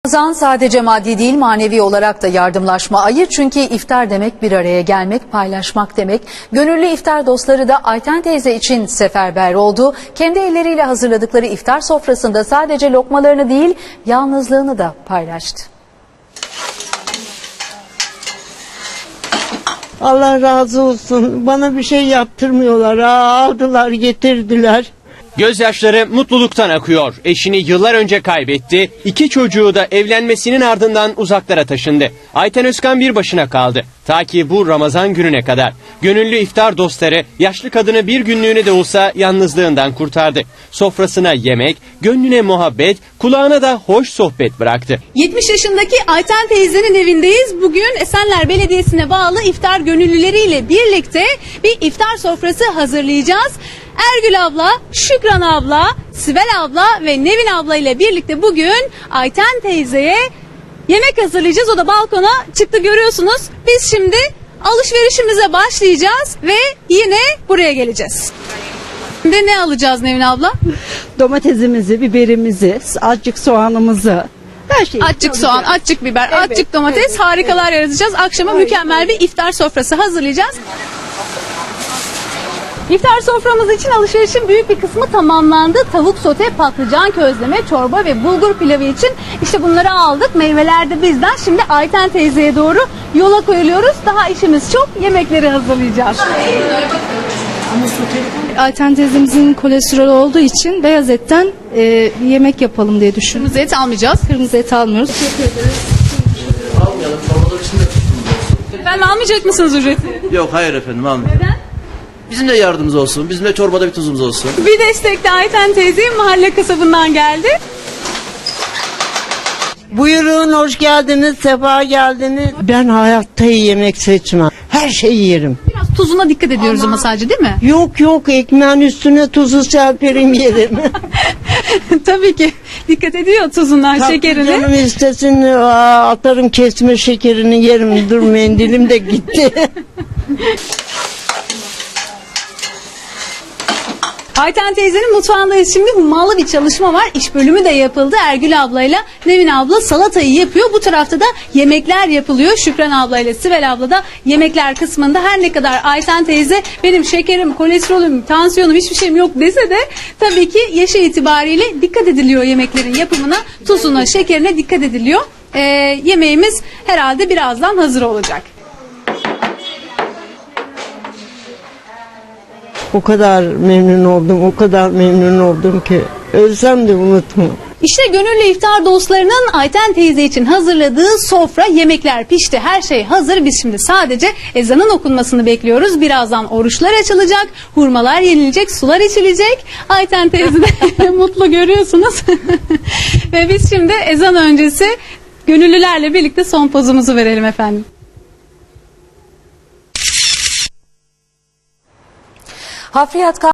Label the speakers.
Speaker 1: Ramazan sadece maddi değil manevi olarak da yardımlaşma ayı, çünkü iftar demek bir araya gelmek, paylaşmak demek. Gönüllü iftar dostları da Ayten teyze için seferber oldu. Kendi elleriyle hazırladıkları iftar sofrasında sadece lokmalarını değil yalnızlığını da paylaştı.
Speaker 2: Allah razı olsun. Bana bir şey yaptırmıyorlar. Aldılar, getirdiler.
Speaker 3: Gözyaşları mutluluktan akıyor. Eşini yıllar önce kaybetti. 2 çocuğu da evlenmesinin ardından uzaklara taşındı. Ayten Özkan bir başına kaldı. Ta ki bu Ramazan gününe kadar. Gönüllü iftar dostları yaşlı kadını bir günlüğüne de olsa yalnızlığından kurtardı. Sofrasına yemek, gönlüne muhabbet, kulağına da hoş sohbet bıraktı.
Speaker 4: 70 yaşındaki Ayten teyzenin evindeyiz. Bugün Esenler Belediyesi'ne bağlı iftar gönüllüleriyle birlikte bir iftar sofrası hazırlayacağız. Ergül abla, Şükran abla, Sibel abla ve Nevin abla ile birlikte bugün Ayten teyzeye yemek hazırlayacağız. O da balkona çıktı, görüyorsunuz. Biz şimdi alışverişimize başlayacağız ve yine buraya geleceğiz. Şimdi ne alacağız Nevin abla?
Speaker 2: Domatesimizi, biberimizi, azıcık soğanımızı, her şeyi.
Speaker 4: Azıcık soğan, azıcık biber,
Speaker 2: Evet,
Speaker 4: azıcık domates,
Speaker 2: evet,
Speaker 4: harikalar yaratacağız. Akşama mükemmel bir iftar sofrası hazırlayacağız. İftar soframız için alışverişin büyük bir kısmı tamamlandı. Tavuk sote, patlıcan közleme, çorba ve bulgur pilavı için işte bunları aldık. Meyveler de bizden. Şimdi Ayten teyzeye doğru yola koyuluyoruz. Daha işimiz çok. Yemekleri hazırlayacağız.
Speaker 5: Ayten teyzemizin kolesterolü olduğu için beyaz etten yemek yapalım diye düşündüm.
Speaker 4: Kırmızı et almayacağız.
Speaker 5: Kırmızı et almıyoruz.
Speaker 4: Efendim almayacak mısınız ücreti?
Speaker 6: Yok, hayır efendim, almayın.
Speaker 4: Neden?
Speaker 6: Bizim de yardımımız olsun. Bizim de çorbada bir tuzumuz olsun.
Speaker 4: Bir destek de Ayten teyze mahalle kasabından geldi.
Speaker 2: Buyurun, hoş geldiniz, sefa geldiniz. Ben hayatta yemek seçmem. Her şeyi yerim.
Speaker 4: Biraz tuzuna dikkat ediyoruz ama sadece, değil mi?
Speaker 2: Yok, ekmeğin üstüne tuzu serperim yerim.
Speaker 4: Tabii ki dikkat ediyor tuzundan, şekerine.
Speaker 2: Canım istesin, atarım kesme şekerini yerim. Dur, mendilim de gitti.
Speaker 4: Ayten teyzenin mutfağındayız şimdi. Hummalı bir çalışma var. İş bölümü de yapıldı. Ergül ablayla Nevin abla salatayı yapıyor. Bu tarafta da yemekler yapılıyor. Şükran ablayla Sibel abla da yemekler kısmında. Her ne kadar Ayten teyze benim şekerim, kolesterolüm, tansiyonum hiçbir şeyim yok dese de tabii ki yaşı itibariyle dikkat ediliyor yemeklerin yapımına. Tuzuna, şekerine dikkat ediliyor. Yemeğimiz herhalde birazdan hazır olacak.
Speaker 2: O kadar memnun oldum ki ölsem de unutmam.
Speaker 4: İşte gönüllü iftar dostlarının Ayten teyze için hazırladığı sofra, yemekler pişti, her şey hazır. Biz şimdi sadece ezanın okunmasını bekliyoruz. Birazdan oruçlar açılacak, hurmalar yenilecek, sular içilecek. Ayten teyze de mutlu, görüyorsunuz. Ve biz şimdi ezan öncesi gönüllülerle birlikte son pozumuzu verelim efendim.
Speaker 1: Hafriyat